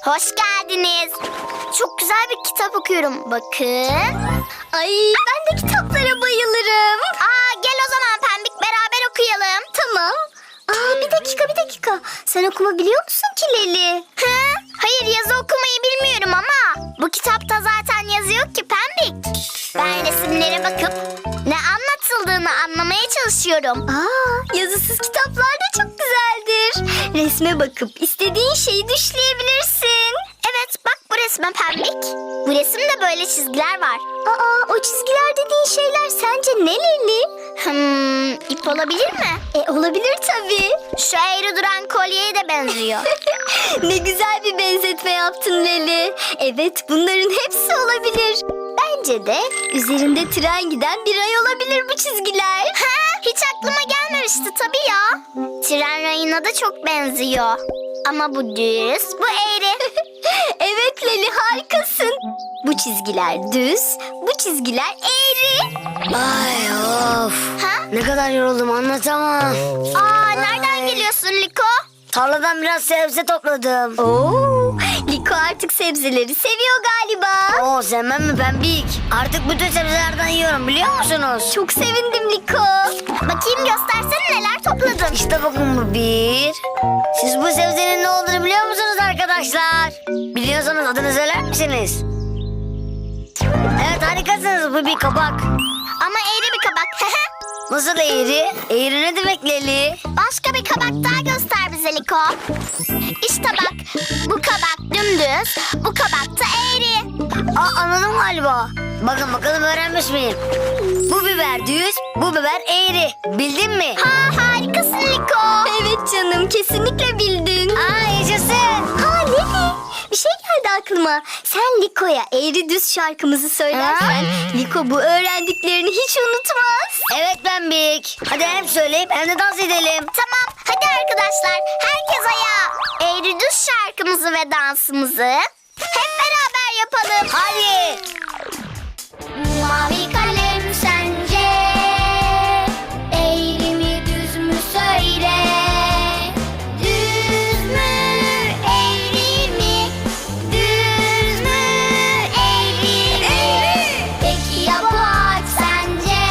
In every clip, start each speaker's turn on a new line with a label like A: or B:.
A: Hoş geldiniz. Çok güzel bir kitap okuyorum. Bakın.
B: Ay, ben de kitaplara bayılırım.
A: Gel o zaman Pembik, beraber okuyalım.
B: Tamam. Bir dakika. Sen okuma biliyor musun ki Leli?
A: Hayır, yazı okumayı bilmiyorum ama bu kitapta zaten yazı yok ki Pembik. Ben resimlere bakıp ne anlatıldığını anlamaya çalışıyorum.
B: Yazısız kitaplar da çok güzeldir. Resme bakıp istediğin şeyi düşleyebilirsin.
A: Evet, bak bu resme Pembik. Bu resimde böyle çizgiler var.
B: O çizgiler dediğin şeyler sence ne Leli?
A: İp olabilir mi?
B: Olabilir tabii.
A: Şu eğri duran kolyeye de benziyor.
B: Ne güzel bir benzetme yaptın Leli. Evet, bunların hepsi olabilir. Bence de üzerinde tren giden bir ay olabilir bu çizgiler.
A: Hiç aklıma gelmemişti tabii ya. Tren rayına da çok benziyor. Ama bu düz, bu eğri.
B: Evet Leli, harikasın. Bu çizgiler düz, bu çizgiler eğri.
C: Ay of. Ne kadar yoruldum anlatamam.
A: Nereden geliyorsun Liko?
C: Tarladan biraz sebze topladım.
B: Liko artık sebzeleri seviyor galiba.
C: Sevmem mi Pembik? Artık bütün sebzelerden yiyorum biliyor musunuz?
B: Çok sevindim Liko.
A: Bakayım, göstersene neler topladın.
C: İşte bakın bu bir. Siz bu sebzenin ne olduğunu biliyor musunuz arkadaşlar? Biliyorsanız adını söyler misiniz? Evet, harikasınız, bu bir kabak.
A: Ama eğri bir kabak.
C: Nasıl eğri? Eğri ne demek Leli?
A: Başka bir kabak daha göster bize Liko. İşte bak, bu kabak dümdüz, bu kabak da eğri.
C: Anladım galiba. Bakın bakalım öğrenmiş miyim? Bu biber düz, bu biber eğri. Bildin mi?
A: Harikasın Liko.
B: Evet canım, kesinlikle bildin.
C: Yaşasın.
B: Leli, bir şey geldi aklıma. Sen Liko'ya eğri düz şarkımızı söylersen Liko bu öğrendiklerini hiç unutmaz.
C: Evet Pembik. Hadi hem söyleyip hem de dans edelim.
A: Tamam, hadi arkadaşlar, herkes ayağa. Eğri düz şarkımızı ve dansımızı hep beraber yapalım.
C: Hadi.
A: Mavi kalem sence eğri mi düz mü söyle. Düz mü eğri mi? Düz mü eğri mi? Peki ya bu ağaç sence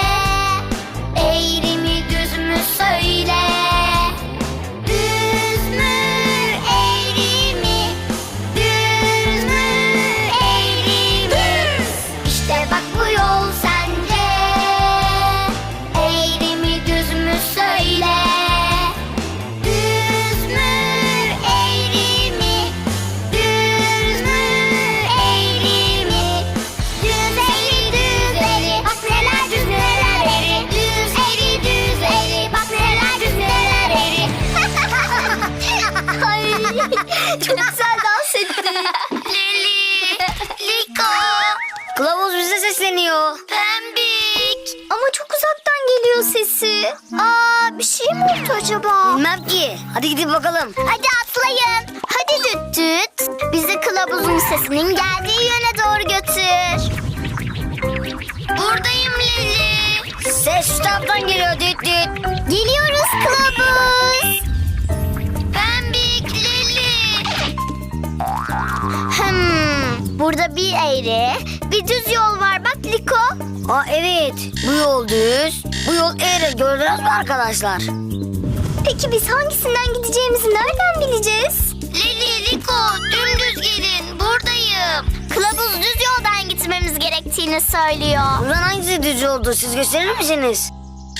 A: eğri mi düz mü söyle. Düz mü eğri mi? Düz mü eğri mi? İşte bak bu yol sence eğri mi düz mü söyle. Düz mü eğri mi? Düz mü eğri mi? Düz eğri düz eğri bak neler düz neler eğri. Düz eğri düz eğri bak neler düz neler eğri.
B: Ay, çok güzel dans ettin.
A: Leli, Liko,
C: Kılavuz bize sesleniyor.
A: Pembik.
B: Ama çok uzaktan geliyor sesi.
A: Bir şey mi oldu acaba?
C: Bilmem ki. Hadi gidip bakalım.
A: Hadi atlayın. Hadi düt düt. Bizi kılavuzun sesinin geldiği yöne doğru götür. Buradayım Leli.
C: Ses şu taraftan geliyor düt düt.
A: Geliyoruz kılavuz. Pembik, Leli. Burada bir eğri, bir düz yol var bak Liko.
C: Evet. Bu yol düz. Bu yol eğri. Gördünüz mü arkadaşlar?
B: Peki biz hangisinden gideceğimizi nereden bileceğiz?
A: Leli, Liko, dümdüz gelin. Buradayım. Kılavuz düz yoldan gitmemiz gerektiğini söylüyor.
C: Buradan hangisi düz oldu? Siz gösterir misiniz?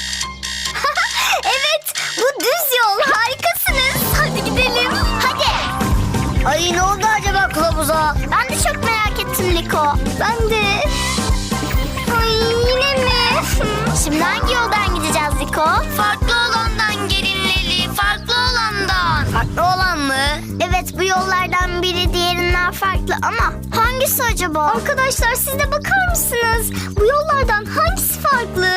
B: Evet, bu düz yol. Harikasınız. Hadi gidelim.
A: Hadi.
C: Ay, ne oldu acaba kılavuza?
A: Ben de çok merak ettim Liko.
B: Ben de. Ay, yine mi?
A: Şimdi hangi yoldan gideceğiz Liko? Farklı olandan gelin Leli, farklı olandan.
C: Farklı olan mı?
A: Evet, bu yollardan biri diğerinden farklı ama hangisi acaba?
B: Arkadaşlar, siz de bakar mısınız? Bu yollardan hangisi farklı?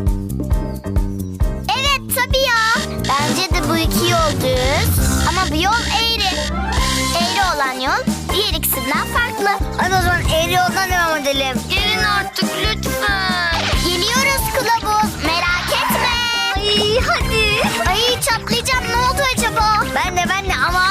A: Evet tabii ya. Bence de bu iki yol düz ama bu yol eğri. Eğri olan yol diğer ikisinden farklı.
C: Hadi o zaman eğri yoldan devam edelim.
A: Gelin artık lütfen. Geliyoruz kılavuz, merak etme.
B: Ay, hadi.
A: Ay, çatlayacağım, ne oldu acaba?
C: Ben de ama az kaldı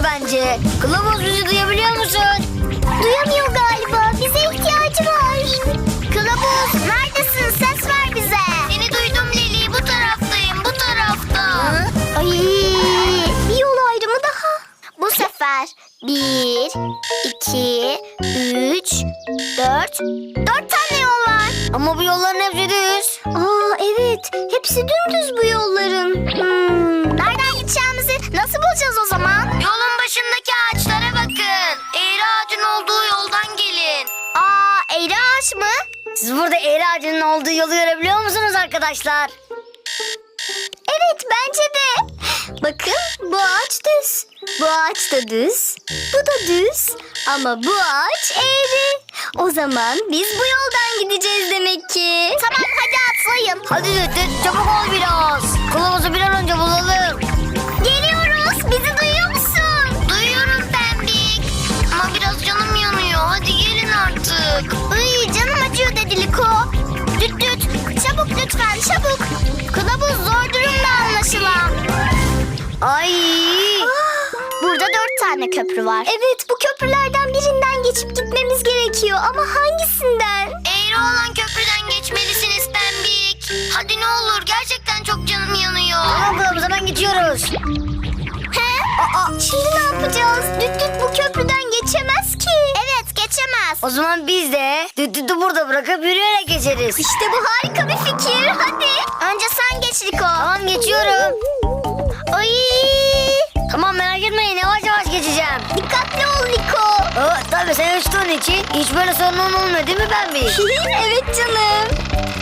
C: bence. Kılavuz bizi duyabiliyor musun?
B: Duyamıyor galiba. Bize ihtiyacı var.
A: Kılavuz neredesin? Ses ver bize. Seni duydum Leli. Bu taraftayım. Bu tarafta.
B: Ay, bir yol ayrımı daha.
A: Bu sefer 1, 2, 3, 4. 4 tane yol var.
C: Ama bu yolların hepsi düz.
B: Aa evet. Hepsi dümdüz bu yolların.
A: Nereden gideceğimizi nasıl bulacağız o zaman? Yolun başındaki ağaçlara bakın. Eğri ağacın olduğu yoldan gelin. Aa, eğri ağaç mı?
C: Siz burada eğri ağacının olduğu yolu görebiliyor musunuz arkadaşlar?
B: Evet bence de. Bakın bu ağaç düz. Bu ağaç da düz. Bu da düz. Ama bu ağaç eğri. O zaman biz bu yoldan gideceğiz demek ki.
A: Tamam hadi atlayın.
C: Hadi Düt çabuk ol biraz. Kılavuzu bir an önce bulalım.
B: Geliyoruz. Bizi duyuyor musun?
A: Duyuyorum Pembik. Ama biraz canım yanıyor. Hadi gelin artık. Iy, canım acıyor dedi Liko. Düt düt. Çabuk lütfen çabuk. Kılavuz zor durumda anlaşılan.
C: Ay.
A: Burada 4 tane köprü var.
B: Evet bu köprülerden birinden geçip gitmemiz gerekiyor. Ama hangisinden?
A: Eğri olan köprüden geçmelisiniz Pembik. Hadi ne olur gerçekten çok canım yanıyor.
C: Tamam kılavuz hemen geçiyoruz.
A: He?
B: Şimdi ne yapacağız? Düt düt bu köprüden geçemez ki.
A: Evet geçemez.
C: O zaman biz de Düt'ü burada bırakıp yürüyerek geçeriz.
B: İşte bu harika bir fikir. Hadi.
A: Önce sen geç Liko.
C: Tamam geçiyorum.
A: Ay.
C: Tamam merak etmeyin yavaş yavaş geçeceğim.
B: Dikkatli ol Liko.
C: Tabii sen uçtuğun için hiç böyle sorunun olmuyor değil mi Pembi?
B: Evet canım.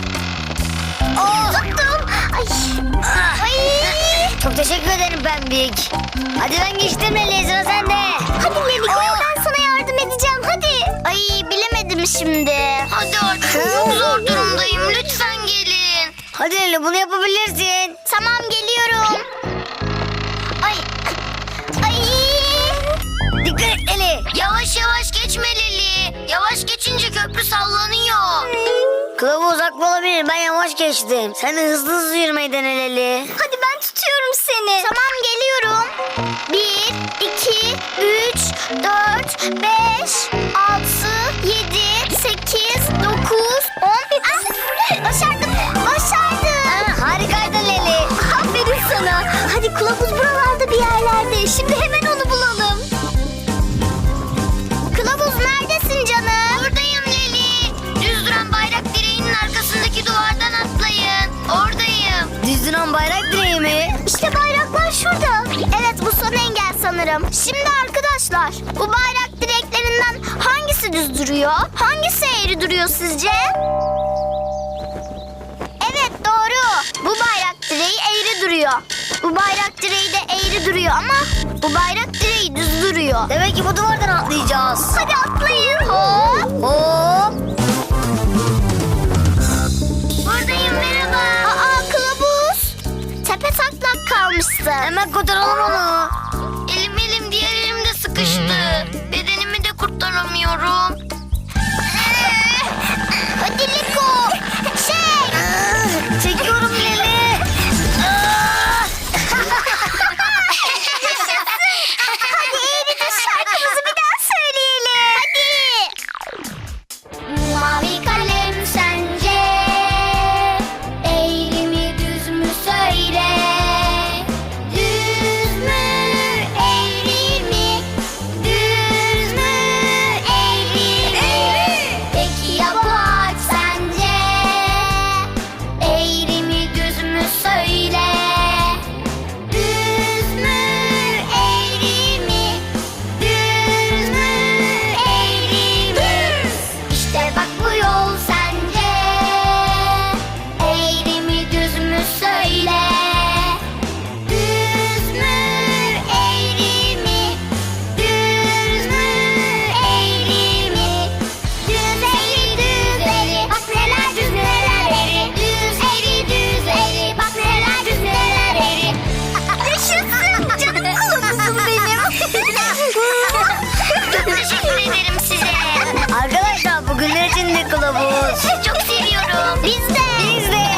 A: Tuttum. Ay. Ay.
C: Çok teşekkür ederim Pembik. Hadi ben geçtim Leli sıra sende.
B: Hadi Liko ben sana yardım edeceğim. Hadi.
A: Ay bilemedim şimdi. Hadi artık çok zor durumdayım. Lütfen gelin.
C: Hadi Leli bunu yapabilirsin.
A: Tamam geliyorum. Ay. Ay.
C: Dikkat et Leli.
A: Yavaş yavaş geçme Leli. Yavaş geçince köprü sallanıyor.
C: Kılavuz haklı olabilir ben yavaş geçtim. Sen de hızlı hızlı yürümeyi dene Leli.
B: Hadi ben tutuyorum seni.
A: Tamam geliyorum. 1, 2, 3, 4, 5, 6, 7, 8, 9, 10. Ah, başardım. Başardım.
C: Harikaydın Leli.
B: Aferin sana. Hadi kılavuz buralarda bir yerlerde. Şimdi hemen onu bulalım.
A: Kılavuz neredesin canım? Buradayım Leli. Düz duran bayrak direğinin arkasındaki duvardan atlayın. Oradayım.
C: Düz duran bayrak direği mi?
B: İşte bayraklar şurada.
A: Evet bu son engel sanırım. Şimdi arkadaşlar bu bayrak direklerinden hangisi düz duruyor? Hangisi eğri duruyor sizce? Evet doğru. Bu bayrak direği eğri duruyor. Bu bayrak direği de eğri duruyor ama bu bayrak direği düz duruyor.
C: Demek ki bu duvardan atlayacağız.
A: Hadi atlayın. Hop.
C: Hop.
A: Buradayım merhaba. Aa kılavuz. Tepe taklak kalmışsın.
C: Hemen kurtaralım onu.
A: Elim diğer elimde sıkıştı. Bedenimi de kurtaramıyorum. Hadi Liko.
C: Çekiyorum Leli.
A: Hadi eğri düz şarkımızı bir daha söyleyelim. Hadi. Mavi kalem sence eğri mi düz mü söyle. Düz mü eğri mi? Düz mü eğri mi? Peki ya bu ağaç sence eğri mi düz mü söyle. Düz mü eğri mi? Düz mü eğri mi? İşte bak bu yol sence eğri mi düz mü söyle. Düz mü eğri mi? Düz mü eğri mi? Düz eğri düz eğri bak neler düz neler eğri. Düz eğri düz eğri bak neler düz neler eğri.
B: Yaşasın canım kılavuzum benim.
A: Çok teşekkür ederim size.
C: Arkadaşlar bugünler için de kılavuz.
A: Çok seviyorum. Biz de.
C: Biz de.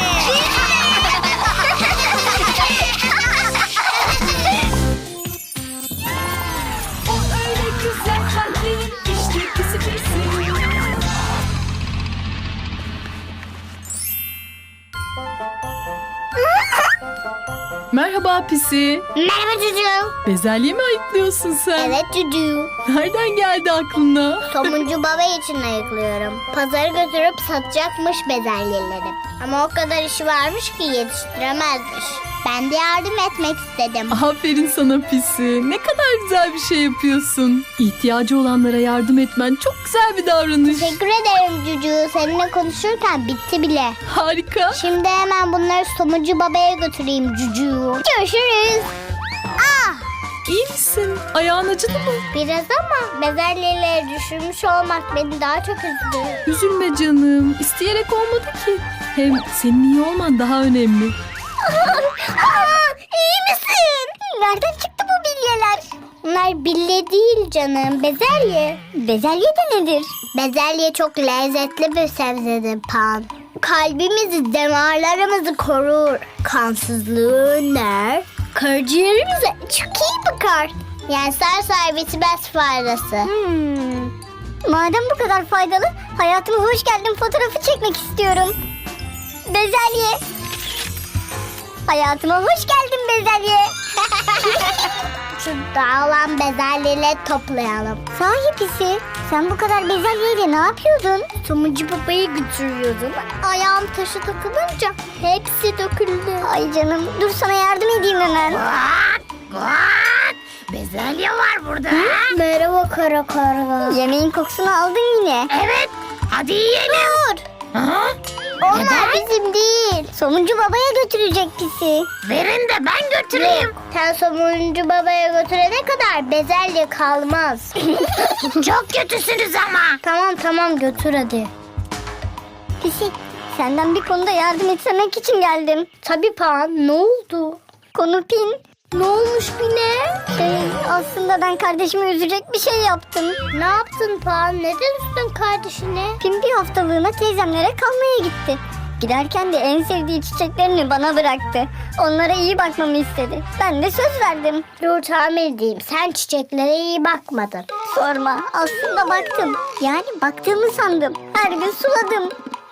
D: Merhaba Pisi.
A: Merhaba Cucu.
D: Bezelye mi ayıklıyorsun sen?
A: Evet Cucu.
D: Nereden geldi aklına?
A: Somuncu baba için ayıklıyorum. Pazara götürüp satacakmış bezelyeleri. Ama o kadar işi varmış ki yetiştiremezmiş. Ben de yardım etmek istedim.
D: Aferin sana Pisi. Ne kadar güzel bir şey yapıyorsun. İhtiyacı olanlara yardım etmen çok güzel bir davranış.
A: Teşekkür ederim Cucu. Seninle konuşurken bitti bile.
D: Harika.
A: Şimdi hemen bunları Somuncu babaya götüreyim Cucu. Görüşürüz.
D: İyi misin? Ayağın acıdı mı?
A: Biraz ama bezelyeleri düşürmüş olmak beni daha çok üzdü.
D: Üzülme canım. İsteyerek olmadı ki. Hem senin iyi olman daha önemli.
A: İyi misin? Nereden çıktı bu bilyeler? Bunlar bilye değil canım, bezelye.
B: Bezelye de nedir?
A: Bezelye çok lezzetli bir sebzedir Pan. Kalbimizi, damarlarımızı korur. Kansızlığı önler. Karaciğerimize çok iyi bakar. Yani sarsar bitmez faydası.
B: Madem bu kadar faydalı, hayatıma hoş geldin fotoğrafı çekmek istiyorum. Bezelye. Hayatıma hoş geldin bezelye.
A: Şu dağılan bezelyeleri toplayalım.
B: Sahi Pisi, sen bu kadar bezelyeyle ne yapıyordun?
A: Somuncu babayı götürüyordum. Ayağım taşı takılınca hepsi döküldü.
B: Ay canım, dur sana yardım edeyim hemen.
C: Bezelye var burada.
A: Merhaba kara karga.
B: Yemeğin kokusunu aldın yine.
C: Evet. Hadi yiyelim.
A: Dur. Onlar bizim değil.
B: Somuncu babaya götürecek Pisi.
C: Verin de ben götüreyim.
A: Sen somuncu babaya götürene kadar bezelye kalmaz.
C: Çok kötüsünüz ama.
A: Tamam götür hadi.
B: Pisi, senden bir konuda yardım etmek için geldim.
A: Tabii Pan, ne oldu?
B: Konu Pin.
A: Ne olmuş yine?
B: Aslında ben kardeşimi üzecek bir şey yaptım.
A: Ne yaptın Pan? Neden üstün kardeşine?
B: Pin bir haftalığına teyzemlere kalmaya gitti. Giderken de en sevdiği çiçeklerini bana bıraktı. Onlara iyi bakmamı istedi. Ben de söz verdim.
A: Dur tahmin edeyim. Sen çiçeklere iyi bakmadın.
B: Sorma, aslında baktım. Yani baktığımı sandım. Her gün suladım.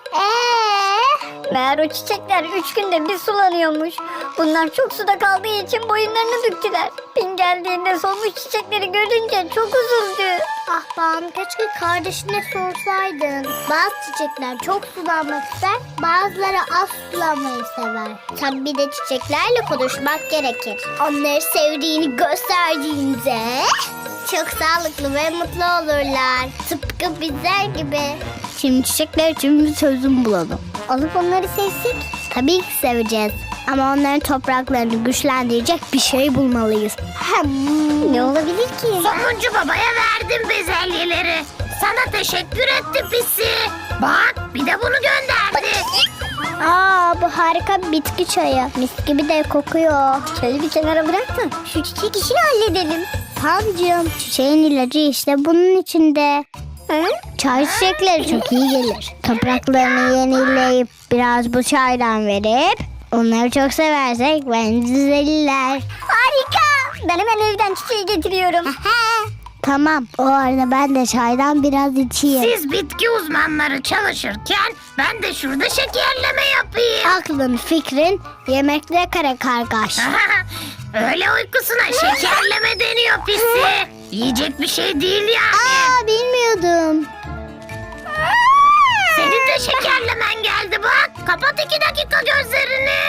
B: Meğer o çiçekler 3 günde bir sulanıyormuş. Bunlar çok suda kaldığı için boyunlarını büktüler. Pin geldiğinde solmuş çiçekleri görünce çok üzüldü.
A: Ah Pan, keşke kardeşine sorsaydın. Bazı çiçekler çok sulanmak ister, bazıları az sulanmayı sever. Tabii bir de çiçeklerle konuşmak gerekir. Onları sevdiğini gösterdiğinde çok sağlıklı ve mutlu olurlar. Tıpkı bizler gibi. Şimdi çiçekler için bir çözüm bulalım.
B: Alıp onları sevsek?
A: Tabii ki seveceğiz. Ama onların topraklarını güçlendirecek bir şey bulmalıyız.
B: Ne olabilir ki?
C: Somuncu babaya verdim bezelyeleri. Sana teşekkür etti Pisi. Bak bir de bunu gönderdi.
A: Bu harika bir bitki çayı. Mis gibi de kokuyor.
B: Çayı bir kenara bırak da şu çiçek işini halledelim.
A: Pancığım, çiçeğin ilacı işte bunun içinde.
B: Hı?
A: Çay çiçekleri çok iyi gelir. Topraklarını yenileyip biraz bu çaydan verip onları çok seversek bence düzelirler.
B: Harika. Ben hemen evden çiçeği getiriyorum.
A: Tamam, o arada ben de çaydan biraz içeyim.
C: Siz bitki uzmanları çalışırken ben de şurada şekerleme yapayım.
A: Aklın, fikrin yemekle kare kargaş.
C: Öyle uykusuna şekerleme deniyor Pisi. Yiyecek bir şey değil yani.
A: Bilmiyordum.
C: Senin de şekerlemen geldi bak. Kapat 2 dakika gözlerini.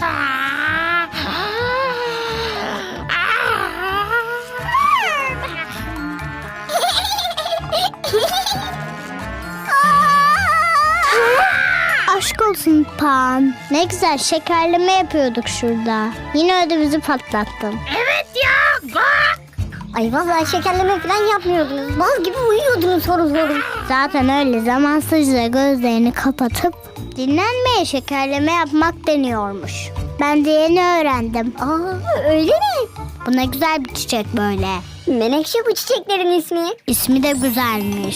A: Aşk olsun Pan. Ne güzel şekerleme yapıyorduk şurada. Yine ödümüzü patlattın.
C: Evet ya bak.
B: Ay vallahi şekerleme falan yapmıyordunuz. Bal gibi uyuyordunuz horul horul.
A: Zaten öyle zamansızca gözlerini kapatıp dinlenmeye şekerleme yapmak deniyormuş. Ben de yeni öğrendim.
B: Öyle mi?
A: Bu ne güzel bir çiçek böyle.
B: Menekşe bu çiçeklerin ismi.
A: İsmi de güzelmiş.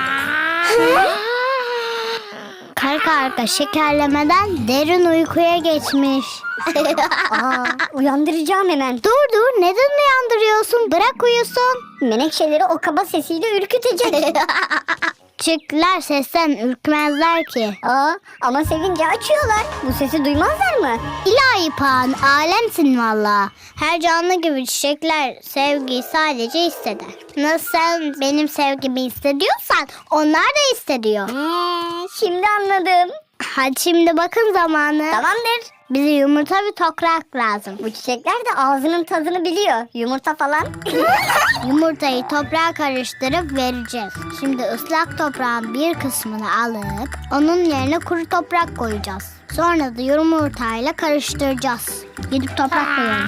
A: Karka arka şekerlemeden derin uykuya geçmiş.
B: Uyandıracağım hemen.
A: Dur neden uyandırıyorsun? Bırak uyusun.
B: Menekşeleri o kaba sesiyle ürkütecek.
A: Küçükler sesten ürkmezler ki.
B: Ama sevince açıyorlar. Bu sesi duymazlar mı?
A: İlahi Pan, alemsin valla. Her canlı gibi çiçekler sevgiyi sadece hisseder. Nasıl sen benim sevgimi hissediyorsan onlar da hissediyor.
B: Şimdi anladım.
A: Hadi şimdi bakın zamanı.
B: Tamamdır.
A: Bize yumurta ve toprak lazım.
B: Bu çiçekler de ağzının tadını biliyor. Yumurta falan.
A: Yumurtayı toprağa karıştırıp vereceğiz. Şimdi ıslak toprağın bir kısmını alıp onun yerine kuru toprak koyacağız. Sonra da yumurtayla karıştıracağız. Gidip toprak koyalım.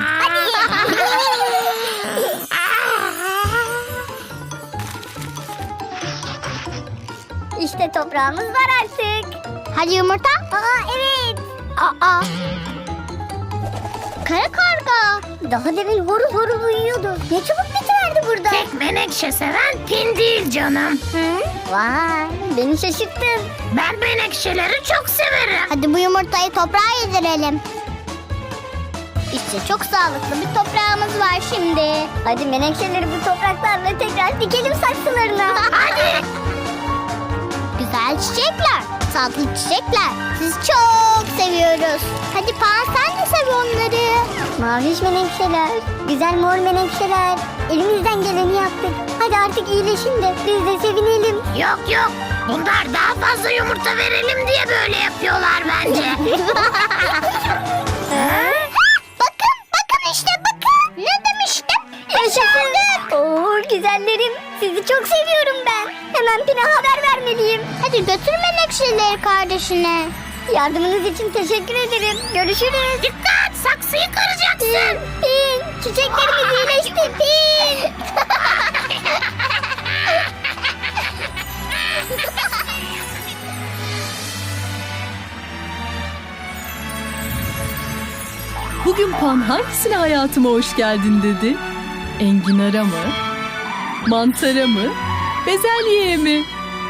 B: İşte toprağımız var artık.
A: Hadi yumurta.
B: Evet.
A: Kara karga.
B: Daha demin horul horul uyuyordu. Ne çabuk bitiverdi burada.
C: Tek menekşe seven Pin değil canım.
B: Vay, beni şaşırttın.
C: Ben menekşeleri çok severim.
A: Hadi bu yumurtayı toprağa yedirelim. İşte çok sağlıklı bir toprağımız var şimdi.
B: Hadi menekşeleri bu topraklarla tekrar dikelim saksılarına.
A: Hadi. Güzel çiçekler, tatlı çiçekler. Sizi çok seviyoruz. Hadi Pan sen de sev onları.
B: Maviş menekşeler, güzel mor menekşeler. Elimizden geleni yaptık. Hadi artık iyileşin de biz de sevinelim.
C: Yok. Bunlar daha fazla yumurta verelim diye böyle yapıyorlar bence.
A: Bakın işte bakın. Ne demiştim?
B: Yaşasın. Oo güzellerim, sizi çok seviyorum ben. Hemen Pin'e haber vermeliyim.
A: Hadi götür menekşeleri kardeşine.
B: Yardımınız için teşekkür ederim. Görüşürüz.
C: Dikkat, saksıyı kıracaksın.
B: Pin, çiçeklerimiz iyileşti. Pin.
D: Bugün Pan hangisine hayatıma hoş geldin dedi? Enginara mı? Mantara mı? Bezelyeye mi?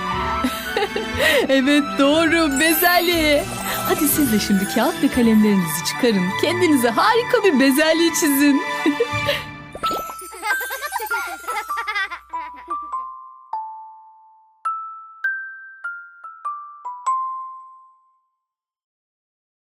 D: Evet doğru, bezelye. Hadi siz de şimdi kağıt ve kalemlerinizi çıkarın. Kendinize harika bir bezelye çizin.